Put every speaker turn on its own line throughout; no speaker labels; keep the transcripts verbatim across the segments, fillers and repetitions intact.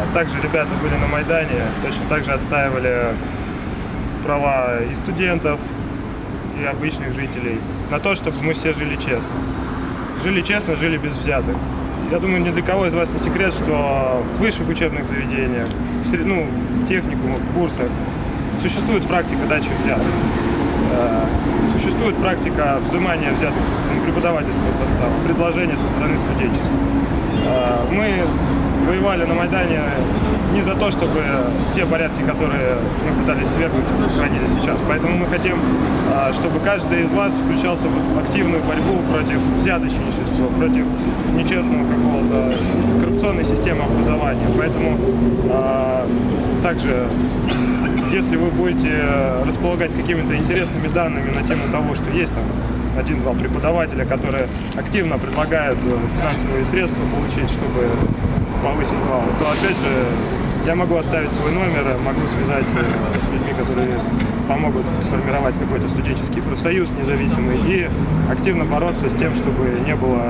также ребята были на Майдане, точно так же отстаивали права и студентов, и обычных жителей на то, чтобы мы все жили честно. Жили честно, жили без взяток. Я думаю, ни для кого из вас не секрет, что в высших учебных заведениях, в, сред... ну, в техникумах, в курсах существует практика дачи взяток. Существует практика взимания взяток со стороны преподавательского состава, предложения со стороны студенчества. Мы воевали на Майдане не за то, чтобы те порядки, которые мы пытались свергнуть, сохранились сейчас. Поэтому мы хотим, чтобы каждый из вас включался в активную борьбу против взяточничества, против нечестного какого-то коррупционной системы образования. Поэтому также, если вы будете располагать какими-то интересными данными на тему того, что есть там один-два преподавателя, которые активно предлагают финансовые средства получить, чтобы повысить баллы, то опять же я могу оставить свой номер, могу связать с людьми, которые помогут сформировать какой-то студенческий профсоюз независимый и активно бороться с тем, чтобы не было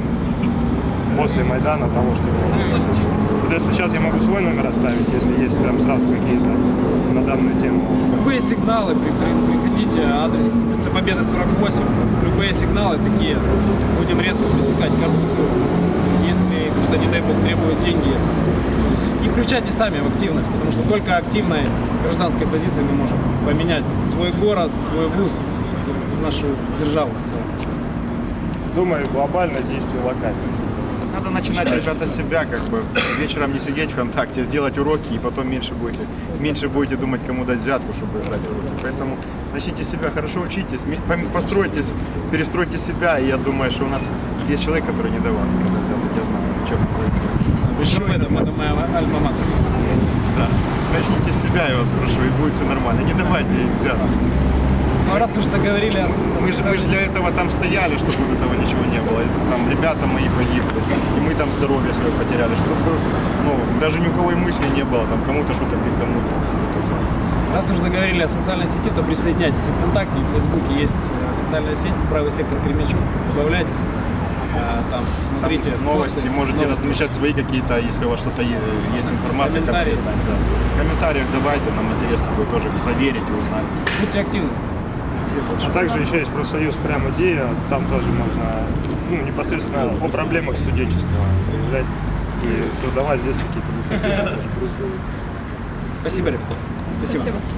после Майдана того, что было. Соответственно, сейчас я могу свой номер оставить, если есть прям сразу какие-то на данную тему.
Любые сигналы, при, при, приходите, адрес улица Победы сорок восемь, любые сигналы такие, будем резко пресекать коррупцию. То есть, если кто-то, не дай бог, требует деньги, то есть, и включайте сами в активность, потому что только активной гражданской позицией мы можем поменять свой город, свой вуз, нашу державу в целом.
Думаю, глобально, действие локально.
Надо начинать, ребята, с себя, как бы вечером не сидеть ВКонтакте, сделать уроки, и потом меньше будете, меньше будете думать, кому дать взятку, чтобы сдать уроки. Поэтому начните себя, хорошо учитесь, постройтесь, перестройте себя, и я думаю, что у нас есть человек, который не давал никогда взяток, я знаю, чем это.
Еще в этом, это моя альма-матер, кстати.
Да. Начните с себя, я вас прошу, и будет все нормально. Не давайте им взяток.
Ну, раз уж заговорили о, о
Мы же, мы же для этого там стояли, чтобы вот этого ничего не было. Там ребята мои погибли, и мы там здоровье свое потеряли, чтобы ну, даже ни у кого и мысли не было, там кому-то что-то пихануть.
Раз уж заговорили о социальной сети, то присоединяйтесь. И ВКонтакте, и в Фейсбуке есть социальная сеть, правый сектор Кременчуг, добавляйтесь. Там смотрите
там новости,
посты,
можете
новости.
размещать свои какие-то, если у вас что-то есть информация.
Комментарии.
Как, да. В комментариях давайте, нам интересно будет тоже проверить и узнать.
Будьте активны.
А также еще есть профсоюз «Прям идея», там тоже можно ну, непосредственно о проблемах студенчества приезжать и создавать здесь какие-то инициативы.
Спасибо, ребята. Спасибо. Спасибо.